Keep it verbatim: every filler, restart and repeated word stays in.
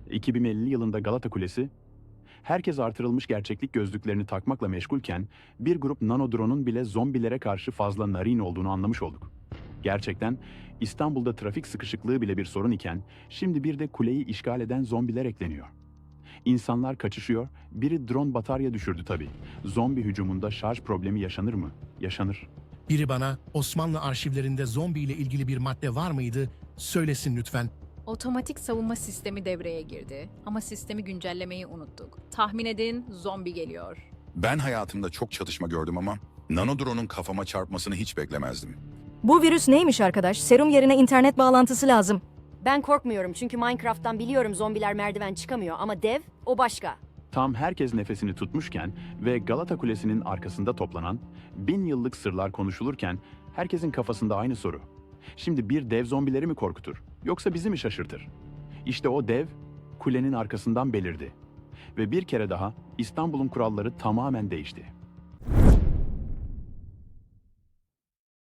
iki bin elli yılında Galata Kulesi, herkes artırılmış gerçeklik gözlüklerini takmakla meşgulken bir grup nano drone'un bile zombilere karşı fazla narin olduğunu anlamış olduk. Gerçekten İstanbul'da trafik sıkışıklığı bile bir sorun iken şimdi bir de kuleyi işgal eden zombiler ekleniyor. İnsanlar kaçışıyor, biri drone batarya düşürdü tabii. Zombi hücumunda şarj problemi yaşanır mı? Yaşanır. Biri bana Osmanlı arşivlerinde zombi ile ilgili bir madde var mıydı? Söylesin lütfen. Otomatik savunma sistemi devreye girdi ama sistemi güncellemeyi unuttuk. Tahmin edin, zombi geliyor. Ben hayatımda çok çatışma gördüm ama nanodrone'un kafama çarpmasını hiç beklemezdim. Bu virüs neymiş arkadaş? Serum yerine internet bağlantısı lazım. Ben korkmuyorum çünkü Minecraft'tan biliyorum zombiler merdiven çıkamıyor ama dev o başka. Tam herkes nefesini tutmuşken ve Galata Kulesi'nin arkasında toplanan bin yıllık sırlar konuşulurken herkesin kafasında aynı soru. Şimdi bir dev zombileri mi korkutur yoksa bizi mi şaşırtır? İşte o dev kulenin arkasından belirdi. Ve bir kere daha İstanbul'un kuralları tamamen değişti.